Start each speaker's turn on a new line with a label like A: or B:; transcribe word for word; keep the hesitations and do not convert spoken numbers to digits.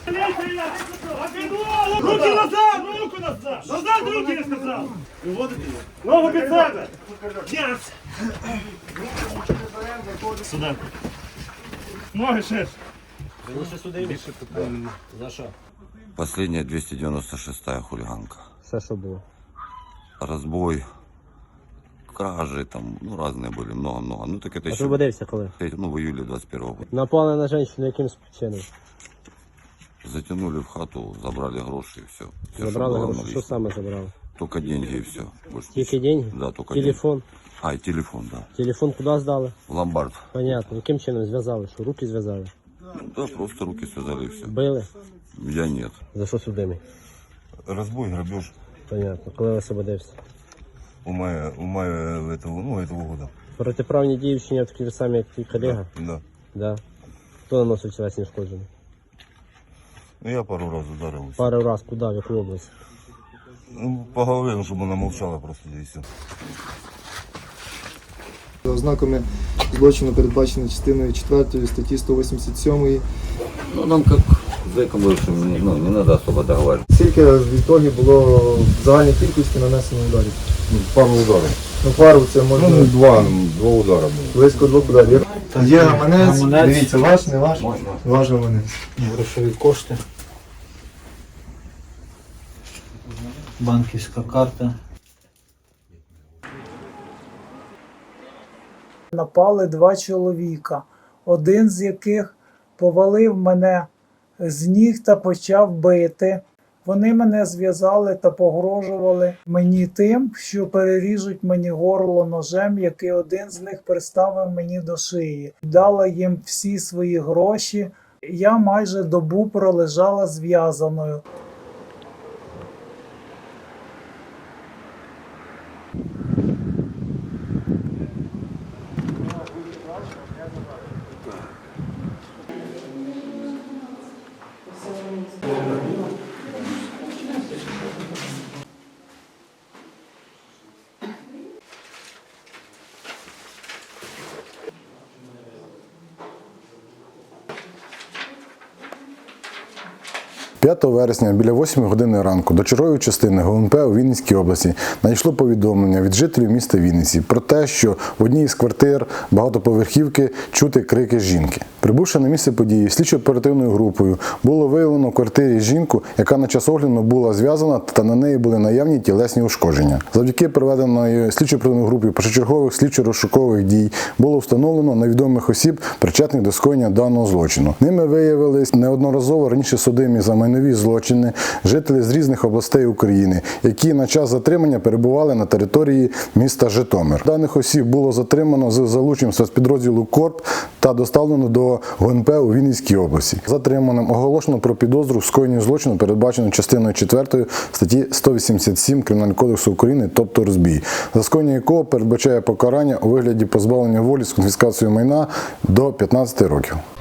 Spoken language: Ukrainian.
A: Руки назад! Руку назад! Назад руки, я сказав! Ногу під себе! Yes! Сюди. Ноги шиш!
B: За що?
C: Последняя двести девяносто шестая хулиганка.
B: Все, що було.
C: Разбой, кражи там, ну разные были, много-много. Ну так это еще,
B: Освободився коли?
C: ну в июле двадцать первого года.
B: Напали на жінку яким чином?
C: Затянули в хату, забрали гроши и все. все
B: Забрали гроші? Що саме забрали?
C: Только деньги и все. Больше
B: Тільки
C: ничего.
B: деньги?
C: Да, только
B: Телефон?
C: деньги. А, и телефон, да.
B: Телефон куди здали?
C: В ломбард.
B: Понятно. Яким чином зв'язали? Що руки зв'язали?
C: Да, просто руки связали и все.
B: Били?
C: Я нет.
B: За що судимий?
C: Разбой, грабеж.
B: Понятно. Коли освободився?
C: У мая, у мая этого, ну, этого года.
B: Протиправні дії вчиняв такі ж самі, як твій колега?
C: Да.
B: Да. Хто наносив тілесні ушкодження?
C: Ну, я пару раз ударил.
B: Пару раз куди, в яку область?
C: Ну, по голове, чтобы она молчала просто, и все.
D: За ознаками злочину передбачено частиною четвертої статті сто вісімдесят сьомої.
C: Ну, нам как зэкам бывшим, ну, не надо особо договаривать.
D: Скільки в ітогі було в загальній кількості нанесено ударів?
C: Пару ударов.
D: Ну, пару це можна
C: Ну, два, два удара было.
D: близько двох ударів. Є гаманець,
E: Гаманець.
D: дивіться, ваш, не ваш? Ваш гаманець.
E: Грошові кошти. Банківська карта.
F: Напали два чоловіка, один з яких повалив мене з ніг та почав бити. Вони мене зв'язали та погрожували мені тим, що переріжуть мені горло ножем, який один з них приставив мені до шиї. Дала їм всі свої гроші. Я майже добу пролежала зв'язаною.
G: п'ятого вересня біля восьмої години ранку до чергової частини Г У Н П у Вінницькій області надійшло повідомлення від жителів міста Вінниці про те, що в одній із квартир багатоповерхівки чути крики жінки. Прибувши на місце події, слідчо-оперативною групою було виявлено в квартирі жінку, яка на час огляду була зв'язана та на неї були наявні тілесні ушкодження. Завдяки проведеної слідчо-оперативною групою першочергових слідчо-розшукових дій було встановлено невідомих осіб, причетних до скоєння даного злочину. Ними виявились неодноразово раніше судимі за майнові злочини жителі з різних областей України, які на час затримання перебували на території міста Житомир. Даних осіб було затримано з залученням спецпідрозділу КОРП та доставлено до Г У Н П у Вінницькій області. Затриманим оголошено про підозру в скоєнні злочину, передбачено частиною четвертою статті сто вісімдесят сім Кримінального кодексу України, тобто розбій, за скоєння якого передбачає покарання у вигляді позбавлення волі з конфіскацією майна до п'ятнадцяти років.